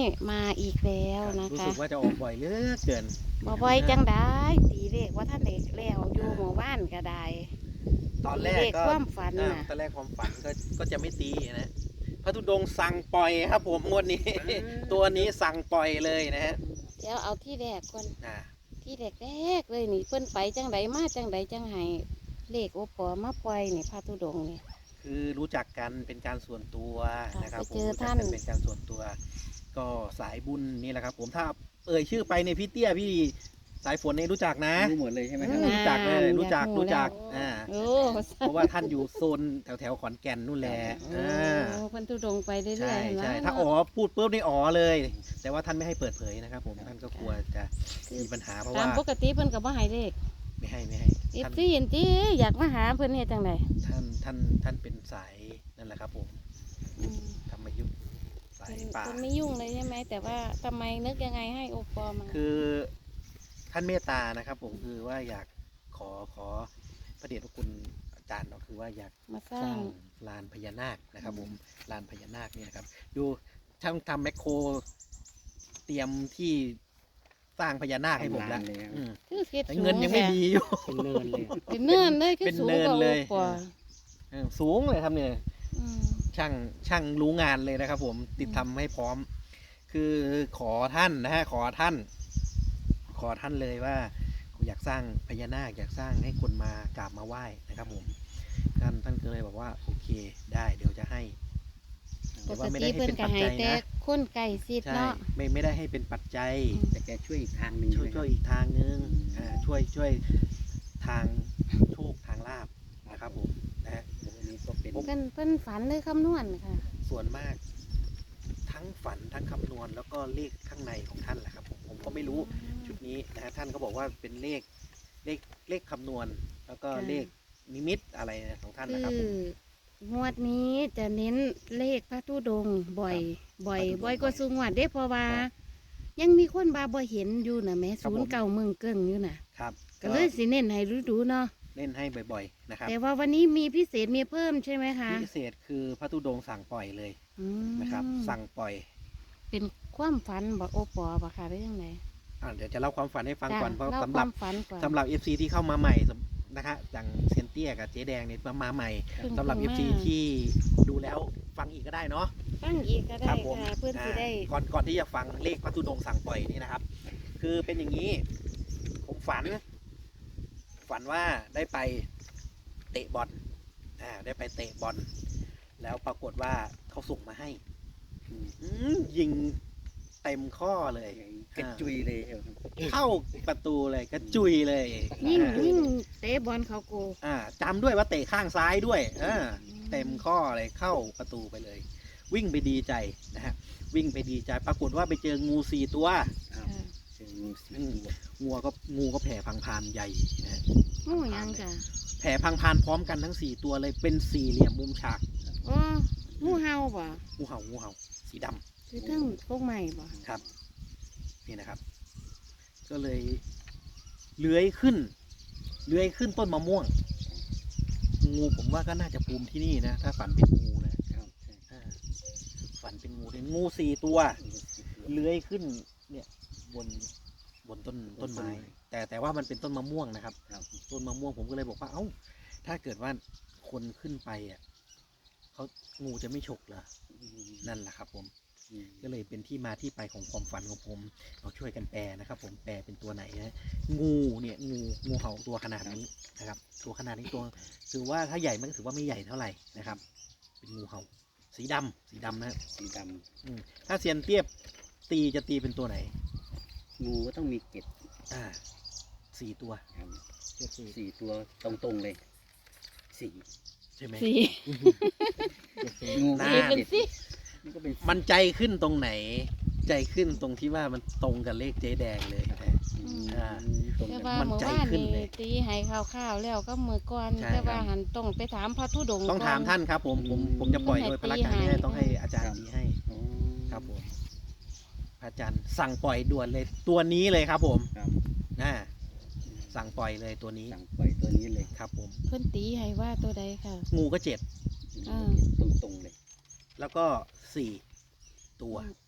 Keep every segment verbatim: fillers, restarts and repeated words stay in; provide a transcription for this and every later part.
มาอีกแล้วนะรู้คะสึกว่าจะออกบ่อยเหลือเกินบ่บ่อยจังได้ตีเลขว่าท่านเด็กแล้วอยู่หมู่บ้านก็ได้ตอนแรกเลขก็ความฝันอ่าน่ะตอนแรกความฝันก็ก็จะไม่ตีนะพระธุดงค์สั่งปล่อยครับผมงวดนี้ ตัวนี้สั่งปล่อยเลยนะฮะเดี๋ยวเอาที่แรกก่อนอ่าที่แรกแรกๆเลยนี่เพิ่นไปจังไดมาจังไดจังไห้เลขโอปอมาปล่อยนี่พระธุดงค์นี่คือรู้จักกันเป็นการส่วนตัวค่ะนะครับไปผมเจอรู้จัท่านกันเป็นการส่วนตัว ก็สายบุญนี่แหละครับ ผมถ้าเอ่ยชื่อไปในยพี่เตี้ยพี่สายฝนเนี่ยรู้จักนะรู้หมดเลยใช่ไหมครับรู้จักเลยรู้จักอยารู้จักแล้วอ่าโอ้เพราะว่าท่านอยู่โซนแถวแถวๆขอนแก่นนู่นแหละโอ้อ่าเพิ่นธุดงค์ไปเรื่อยๆใช่เห็นไหมใช่ถ้าอ๋อพูดปุ๊บนี่อ๋อเลย แต่ว่าท่านไม่ให้เปิดเผยนะครับ ผมท่านก็กลัวจะมีปัญหาเพราะตาว่ามปกติเพิ่นก็บ่ให้เลขไม่ให้ไม่ให้เอฟท่านซีเห็นติอยากมาหาเพิ่นเฮ็ดจังไดท่านท่านท่านเป็นสายนั่นแหละครับ ผมอืมธรรมยุทธสายเพิ่นป่าเพิ่นไม่ยุ่งเลยใช่ไหมแต่ว่าทำไมนึกยังไงให้โอปอมาคือท่านเมตตานะครับ ผมคือว่าอยากขอขอพระเดชพระคุณอาจารย์เนาะคือว่าอยากมาสสร้าร้าง งลานพญานาคนะครับ ผมลานพญานาคเนี่ยครับดูช่างทำแมคโครเตรียมที่สร้างพญานาคให้ผมแล้วทำลานเลยครับอืมคือเฮ็ดแต่สูงเงินยังไม่มีอยู่เป็นเนินเลยเป็นเนินเลยคือเป็นสูงเนินกว่าโอเลยปอเออสูงเลยครับเนี่ยอืมช่างช่างรู้งานเลยนะครับ ผมติดทำให้พร้อม คือขอท่านนะฮะขอท่าน ขอท่านเลยว่าอยากสร้างพญานาคอยากสร้างให้คนมากราบมาไหว้นะครับ ผมท่านท่านก็เลยบอกว่าโอเคได้เดี๋ยวจะให้ปแต่กว่าไม่ติได้ให้เพิ่นเป็นก็ปัจให้จัยแต่นะคนไก่ซิดใช่เนาะไม่ไม่ได้ให้เป็นปัจจัยแต่แกช่วยอีกทางหนึ่งช่วยใไหมช่วยครับอีกทางนึงอ่าช่วยช่วยทางโชคทางลาบนะครับ ผมนะฮะอันนี้ก็เป็นเพิ่นเพิ่นฝันหรือคำนวณค่ะส่วนมาก ทั้งฝันทั้งคำนวณแล้วก็เลขข้างในของท่านแหละครับ ผมผมก็ไม่รู้ชุดนี้นะฮะท่านก็บอกว่าเป็นเลขเลขเลขคำนวณ แล้วก็เลขนิมิตอะไรของท่านคืนะครับ ผมองวดนี้จะเน้นเลขพระธุดงค์บ่อย บ่อยพระธุดงค์บ่อยกว่าบ่อยสุงวดเด้เพราะว่าครับยังมีคนบาบ่เห็นอยู่น่ะแหม่ครับศูผมนย์เก่าเมืองเกิ้งอยู่น่ะครับก็เลยสิเน้นให้ดูๆเนาะเล่นให้บ่อยๆนะครับแต่ว่าวันนี้มีพิเศษมีเพิ่มใช่ไหมคะพิเศษคือพระธุดงค์สั่งปล่อยเลยอืมนะครับ สั่งปล่อยเป็นความฝันบอกโอปอบ่ค่ะหรือยังไงอ่าเดี๋ยวจะเล่าความฝันให้ฟังจ้ะก่อนเพราะเล่าสำคหรัวาบมฝันก่อนสำหรับ เอฟ ซี ที่เข้ามาใหม่นะฮะอย่างเซยนเตี้ยกับเจ๊แดงเนี่ยมาใหม่เพิ่งสำหรับเพิ่เอง ฟมาซีที่ดูแล้วฟังอีกก็ได้เนาะตั้งอีกก็ได้ครับผมค่ะเพื่อนสิได้อ่าก่อนก่อนที่จะฟังเลขพระธุดงค์สั่งปล่อยนี่นะครับ คือเป็นอย่างนี้ ผมฝัน ฝันว่าได้ไปเตะบอลอ่าได้ไปเตะบอลแล้วปรากฏว่าเขาส่งมาให้อืมอืมยิงเต็มข้อเลยกระจุยเลยครับเข้าประตูเลยกระจุยเลยยิ่งอ่ายิ่งเตะบอลเขาโกอ่าจำด้วยว่าเตะข้างซ้ายด้วยเออเต็มข้อเลยเข้าประตูไปเลย วิ่งไปดีใจนะฮะวิ่งไปดีใจ ปรากฏว่าไปเจองูสี่ตัวอ้าวค่ะเจองูสีตัวงูก็งูก็แผ่พังพานใหญ่นะฮะงูหยังจ้ะแผ่พังพานพร้อมกันทั้งสี่ตัวเลยเป็นสี่เหลี่ยมมุมฉากโอ้งูเห่าบ่งูเห่างูเห่าสีดำคือทั้งพวกใหม่บ่ครับนี่นะครับ ก็เลยเลื้อยขึ้นเลื้อยขึ้นต้นมะม่วง งูผมว่าก็น่าจะภูมิที่นี่นะ ถ้าฝันเป็นงูนะครับใช่อ่าฝันเป็นงูเป็นงูสี่ตัวงูสีตัวเลื้อยขึ้นเนี่ยบนบนต้นต้นไม้ แต่แต่ว่ามันเป็นต้นมะม่วงนะครับครับต้นมะม่วงผมก็เลยบอกว่าเอ้า ถ้าเกิดว่าคนขึ้นไปอ่ะเขางูจะไม่ฉกเหรออืมนั่นแหละครับ ผมอืมก็เลยเป็นที่มาที่ไปของความฝันของผมเราช่วยกันแปลนะครับ ผมแปลเป็นตัวไหนนะงูเนี่ยงูงูเห่าตัวขนาดนี้นะครับ ตัวขนาดนี้ตัวถือว่าถ้าใหญ่มันก็ถือว่าไม่ใหญ่เท่าไหร่นะครับ เป็นงูเห่า สีดำสีดำนะสีดอืมถ้าเซียนเตี้ยบตีจะตีเป็นตัวไหนำงูก็ต้องมีเกล็ดอ่าสี่ตัวครับเทียบสี่สี่ตัวตรงๆเลยสี่ใช่ไหมสีงูน่าสีเป็นสิมันก็เป็นมันใจขึ้นตรงไหน ใจขึ้นตรงที่ว่ามันตรงกับเลขเจ๊แดงเลยนะอืมอ่าตรงแต่กันว่ามันเมื่อใจวานขึ้นนี่เลยตีให้ข้าวๆแล้วก็มือก่อนใช่แต่ว่าครับหันต้องไปถามพระธุดงค์ต้องถามก่ท่านครับ ผมผมผมจะปล่อยโดยพระการไม่ได้ต้องให้อาจารย์ตีให้อ๋อครับผมพระอาจารย์สั่งปล่อยด่วนเลยตัวนี้เลยครับ ผมครับนะสั่งปล่อยเลยตัวนี้สั่งปล่อยตัวนี้เลยครับผมเพิ่นตีให้ว่าตัวใดค่ะงูก็เจ็ดอ่าตรงๆเลยแล้วก็สี่ตัว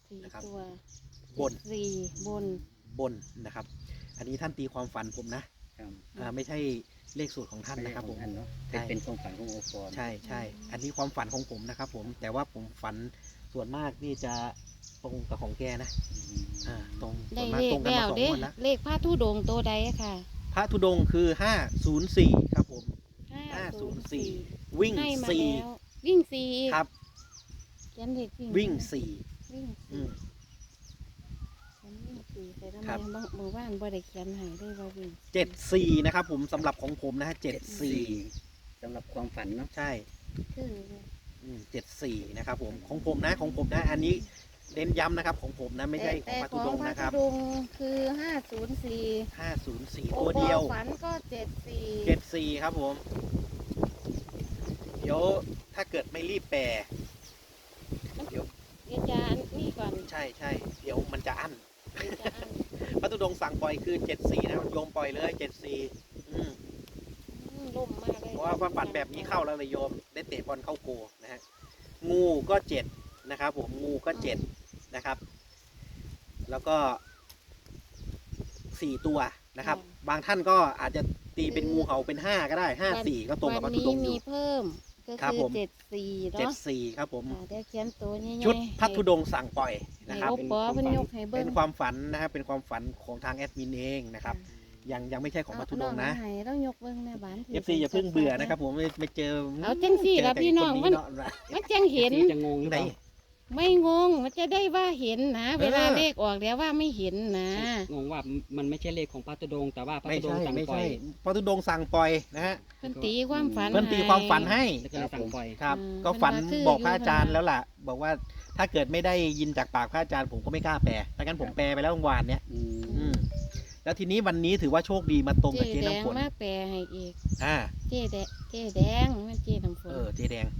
สี่นะครับตัวบนสี่บนบนนะครับ อันนี้ท่านตีความฝันผมนะครับ อ่าไม่ใช่เลขสูตรของท่านนะครับผมไม่ใช่ของท่านเนาะใช่เป็นความฝันของโอปอล์ใช่ใช่อันนี้ความฝันของผมนะครับ ผมแต่ว่าผมฝันส่วนมากนี่จะตรงกับของแกนะอืมอ่าตรงส่ได้วนมากเลตขรงกันแล้มาว สองเด้งวดแล้วเลขพระธุดงค์ตัวใดค่ะพระธุดงค์คือห้าศูนย์สี่ครับผมห้าศูนย์สี่สี่วิ่งให้มาสี่แล้ววิ่งสี่อีกครับเขียนเลขวิ่งวิ่งสี่วิ่งอืสี่มเขียนวิ่งสี่แต่ทำไมครับบางเมื่อวานบ่ได้เขียนให้ด้วยว่าวิ่งเจ็ดสี่นะครับผมสำหรับของผมนะฮะเจ็ดสี่สำหรับความฝันเนาะใช่คือเจ็ดสี่นะครับผมของผมนะของผมนะอันนี้เน้นย้ำนะครับของผมนะไม่ใช่ของแต่พระขธุองดงค์พระนะครับธุดงค์คือห้าศูนย์สี่ห้าศูนย์สี่โอตัวปอเดียวฝันก็เจ็ดสี่เจ็ดสี่ครับผม เดี๋ยวถ้าเกิดไม่รีบแปลเดี๋ยวเดี๋ยวจะอันนี่ก่อนใช่ใช่เดี๋ยวมันจะอั้นเดี๋ยวจะอันพระธุดงค์สั่งปล่อยคือเจ็ดสี่นะครับโยมปล่อยเลยเจ็ดสี่อืมอืมล่มมากเลยเพราะว่าว่าฝันแบบนี้เข้าแล้วเลยโยม ได้เตะบอลเข้าโกนะฮะงูก็เจ็ดนะครับผมงูก็เจ็ดนะครับ แล้วก็สี่ตัวนะครับ บางท่านก็อาจจะตีเป็นงูเห่าเป็นห้าก็ได้ห้าสี่ก็ตรงกับพระธุดงค์อวันนี้ยู่มีเพิ่มก็ครับคือผมเจ็ดสี่เจ็ดเนาะสี่ครับผมอ่าเดี๋ยวเขียนตัวใหญ่ๆชุดพระธุให้ดงค์สั่งปล่อยนะครับให้โอปอเพิ่นยกให้เบิ่เป็งนความฝันนะครับ เป็นความฝันของทางแอดมินเองนะครับ ยังยังไม่ใช่ของพระธุดงค์นะเอาให้ต้องยกเบิ่งแม่บ้านเอฟซีอย่าเพิ่งเบื่อนะครับ ผมไม่ไม่เจอเอาจังสี่ล่ะพี่น้องมันเจแต่คมันจังเห็นที่จะงงหรือไหนเปล่าไม่งงมันจะได้ว่าเห็นนะ เวลาเออเลขออกแล้วว่าไม่เห็นนะงงว่ามันไม่ใช่เลขของพระธุดงค์แต่ว่าพระไม่ธุดงใช่ค์สั่งไม่ปล่อใช่ยพระธุดงค์สั่งปล่อยนะฮะเพิ่นตีความฝันเพิ่นตีความฝันให้แล้วก็เลยสั่งปล่อยครับอืมก็ฝันเพิ่นว่าคือบอกพระอยู่อาจารย์นะแล้วล่ะ บอกว่าถ้าเกิดไม่ได้ยินจากปากพระอาจารย์ผมก็ไม่กล้าแปลถ้างั้นผมแปลไปแล้วเมื่อวานเนี้ยอืมอืมแล้วทีนี้วันนี้ถือว่าโชคดีมาตรงกับเจ๊เจ๊แดงน้ำฝนมาแปลให้อีกอ่าเจ๊แดงเจ๊แดงมันเจ๊น้ำฝนเออเจ๊แดง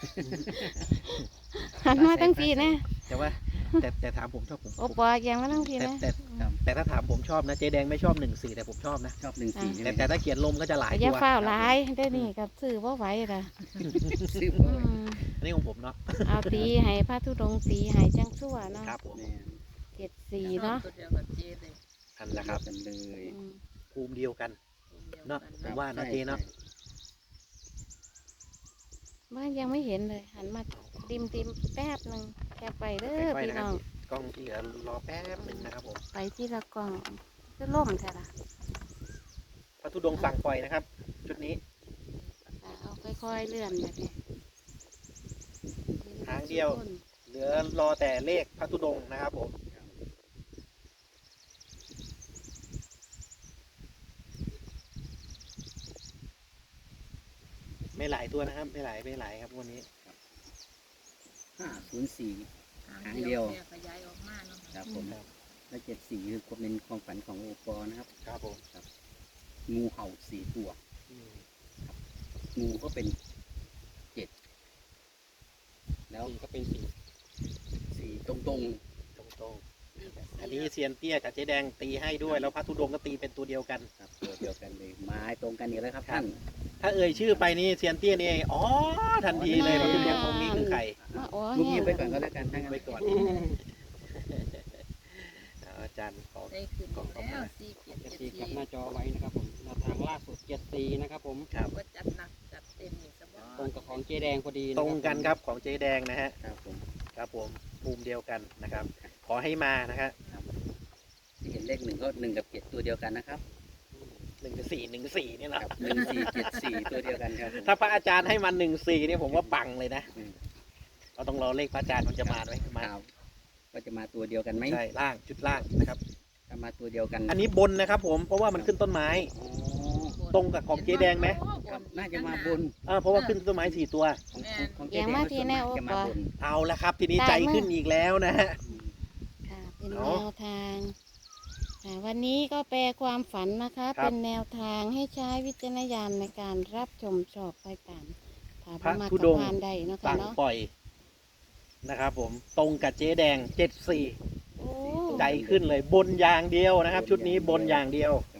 หันมาทั้งปีนะแต่ว่า แต่แต่ถามผมชอบผมโอปอยังมาทั้งปีแต่นะแต่แต่ถ้าถามผมชอบนะเจ๊แดงไม่ชอบหนึ่งสี่แต่ผมชอบนะชอบหนึ่งสี่แต่แต่ถ้าเขียนลมก็จะหลายอย่าตัวฝ้าวหลายได้นี่กับซื้อบ่ไหวล่ะซื้ออืบ่อยมอันนี้ของผมเนาะเอาตีให้พระธุดงค์ตีให้จังชั่วเนาะครับผมแม่เจ็ดสี่เนาะตัวเดียวกับเจเลยอันละครับกันเลยอืมภูมิเดียวกันเดียวเนาะกัผมว่าเนาะเจ๊เนาะบ้านยังไม่เห็นเลย หันมาติมติมแป๊บหนึ่งแค่ไปเด้อไปๆพี่นะครับน้องกล้องที่เหลือรอแป๊บหนึ่งนะครับผมไปที่ละกล่องจะล่มใช่ละพระธุดงค์สั่งปล่อยนะครับ ชุดนี้อ่าเอาค่อยๆเลื่อนแบบนี้หางเดียว เหลือรอแต่เลขพระธุดงค์นะครับผมไม่หลายตัวนะครับ ไม่หลายไม่หลายครับวันนี้ห้าศูนย์สี่หางหางเดีเดียยว วขยายออกมาเนาะครับผมและเจ็ดสี่คือความเป็นความฝันของโอปอล์นะครับครับผมงูเห่าสี่ตัวอืมงูก็เป็นเจ็ดแล้วสี่ก็เป็นสี่สี่ตรงตรงตรงๆอันนี้เซียนเตี้ยกับเจ๊แดงตีให้ด้วย แล้วพระธุดงค์ก็ตีเป็นตัวเดียวกันๆครับตัวเดียวกันเลยไม้ตรงกันอีกแล้วครับครับท่านถ้าเอ่ยชื่อไปนี่เซียนเตี้ยนี่อ๋อทันทีเลยพระธุดงค์ตรงนี้คือใครมาอ๋อลูกแห้เงียงบไปก่อนก็แล้วกันทั้งไปก่อนเอาอาจารย์ขอได้ขึ้นแล้วสี่เจ็ดเจ็ดเจ็ดสี่สี่กับหน้าจอไว้นะครับผมแนวทางล่าสุดเจ็ดสี่นะครับผมครับว่าจัดหนักจัดเต็มนี่สบอตรงกับของเจ๊แดงพอดีะตรงกันครับของเจ๊แดงนะฮะครับผมครับผมภูมิเดียวกันนะครับ ขอให้มานะฮะที่เห็นเลขหนึ่งก็หนึ่งกับเจ็ดตัวเดียวกันนะครับหนึ่งสี่หนึ่งสี่นี่แหละหนึ่งสี่เจ็ดสี่ตัวเดียวกันครับผมถ้าพระอาจารย์ให้มันหนึ่งสี่นี่ผมว่าปังเลยนะอืมเราต้องรอเลขพระอาจารย์มันจะมาไหมมาครับว่าจะมาตัวเดียวกันไหมใช่ล่างชุดล่างนะครับถ้ามาตัวเดียวกันอันนี้บนนะครับผมเพราะว่ามันขึ้นต้นไม้อ๋อตรงกับของเจ๊แดงไหมครับน่าจะมาบนเออเพราะว่าขึ้นต้นไม้สี่ตัวของของของอย่างมาทีแน่โอจะปมาอบนเอาละครับ ทีนี้ใจขึ้นอีกแล้วนะฮะอืมค่ะเป็นเนาะแนวทางค่ะวันนี้ก็แปลความฝันนะคะครับเป็นแนวทางให้ใช้วิจารณญาณในการรับชมชอบไปตามถ้าพระบ่มาธุกับดงค์พานใดเนาะคะสั่งเนาะปล่อยนะครับผมตรงกับเจ๊แดงเจ็ดสี่โอ้ใจขึ้นเลยบนอย่างเดียวนะครับ ชุดนี้บนอย่างเดียวครับ